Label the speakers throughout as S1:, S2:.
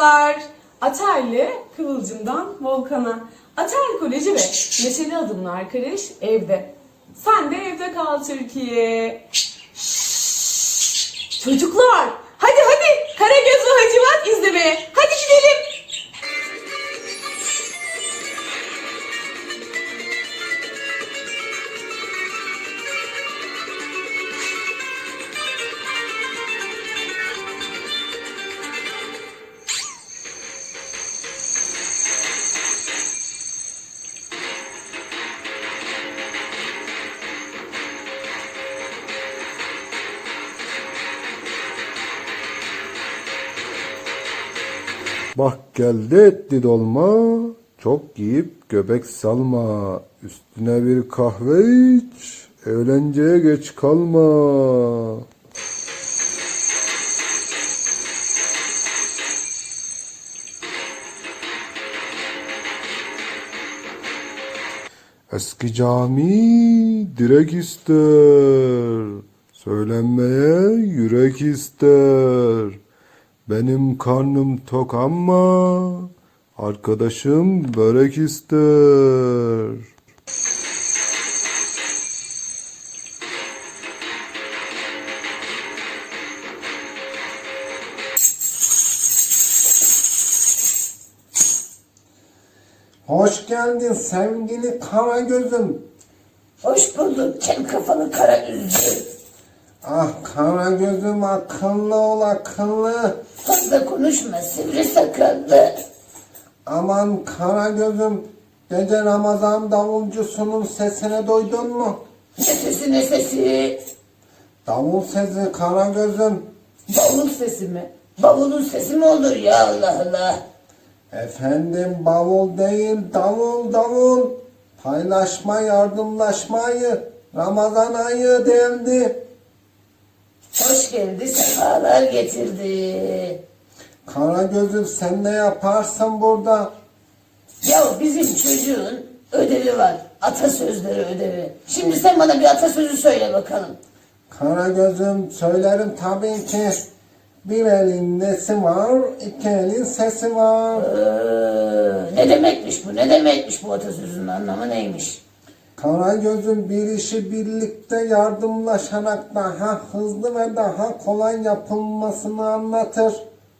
S1: Merhabalar. Ater'le Kıvılcım'dan Volkan'a. Ater Koleji ve Neşeli Adımlı Arkadaş evde. Sen de evde kal Türkiye. Çocuklar, hadi Karagöz ve Hacivat izlemeye. Hadi gidelim.
S2: Bak geldi etli dolma, çok yiyip göbek salma. Üstüne bir kahve iç, eğlenceye geç kalma. Eski cami direk ister, söylenmeye yürek ister. Benim karnım tok ama arkadaşım börek ister. Hoş geldin sevgili Karagöz'üm.
S3: Hoş bulduk kel kafalı kara üzüm.
S2: Ah Karagöz'üm, akıllı ol akıllı.
S3: Fazla konuşma sivri sakallı.
S2: Aman Karagöz'üm, gece Ramazan davulcusunun sesine duydun mu?
S3: Ne sesi ne sesi?
S2: Davul sesi Karagöz'üm.
S3: Bavul sesi mi? Bavulun sesi mi olur ya Allah Allah?
S2: Efendim bavul değil, davul davul. Paylaşma, yardımlaşmayı Ramazan ayı deldi.
S3: Hoş geldi sefalar getirdi.
S2: Karagöz'üm, sen ne yaparsın burada?
S3: Ya bizim çocuğun ödevi var. Atasözleri ödevi. Şimdi sen bana bir atasözü söyle bakalım.
S2: Karagöz'üm, söylerim tabii ki. Bir elin nesi var, iki elin sesi var.
S3: Ne demekmiş bu? Ne demekmiş bu atasözünün anlamı neymiş?
S2: Karagöz'üm, bir işi birlikte yardımlaşarak daha hızlı ve daha kolay yapılmasını anlatır.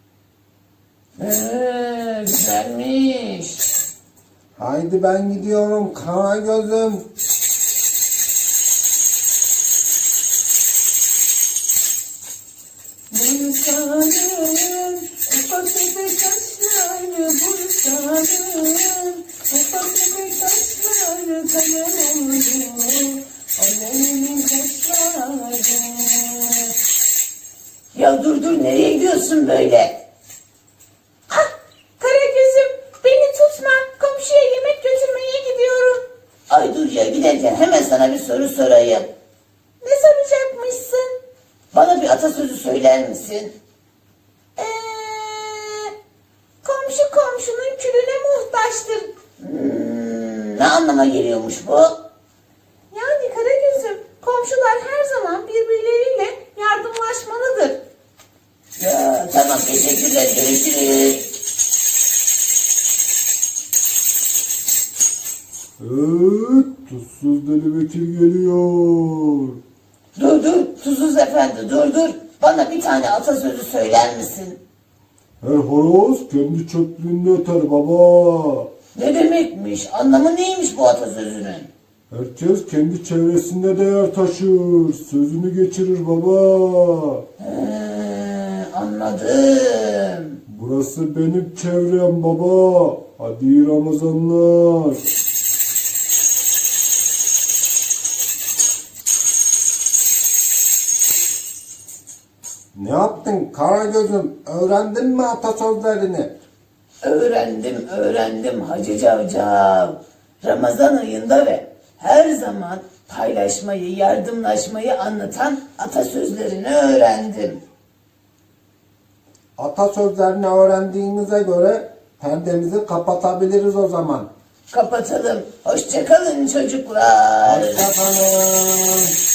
S3: Güzelmiş.
S2: Haydi ben gidiyorum Karagöz'üm.
S1: Bursa'nın ufak tefek taşları, Bursa'nın ufak tefek taşları kalem oldu, alemin taşları.
S3: Ya dur nereye gidiyorsun böyle?
S1: Ah, Karagöz'üm, beni tutma, komşuya yemek götürmeye gidiyorum.
S3: Ay dur ya, giderken hemen sana bir soru sorayım.
S1: Ne soracakmışsın?
S3: Bana bir atasözü söyler misin?
S1: Komşu komşunun külüne muhtaçtır.
S3: Ne anlama geliyormuş bu?
S1: Yani Karagöz'üm, komşular her zaman birbirleriyle yardımlaşmalıdır.
S3: Ya tamam, teşekkürler, görüşürüz.
S2: Evet, tuzsuz Deli Bekir geliyor.
S3: Dur Tuzsuz Efendi, dur. Bana bir tane atasözü söyler misin?
S2: Her horoz kendi çöplüğünde öter baba.
S3: Ne demekmiş? Anlamı neymiş bu atasözünün?
S2: Herkes kendi çevresinde değer taşır. Sözünü geçirir baba.
S3: Anladım.
S2: Burası benim çevrem baba. Hadi iyi Ramazanlar. Ne yaptın Karagöz'üm? Öğrendin mi atasözlerini?
S3: Öğrendim Hacı Cavcav. Ramazan ayında ve her zaman paylaşmayı, yardımlaşmayı anlatan atasözlerini öğrendim.
S2: Atasözlerini öğrendiğimize göre perdemizi kapatabiliriz o zaman.
S3: Kapatalım. Hoşça kalın çocuklar.
S2: Hoşça kalın.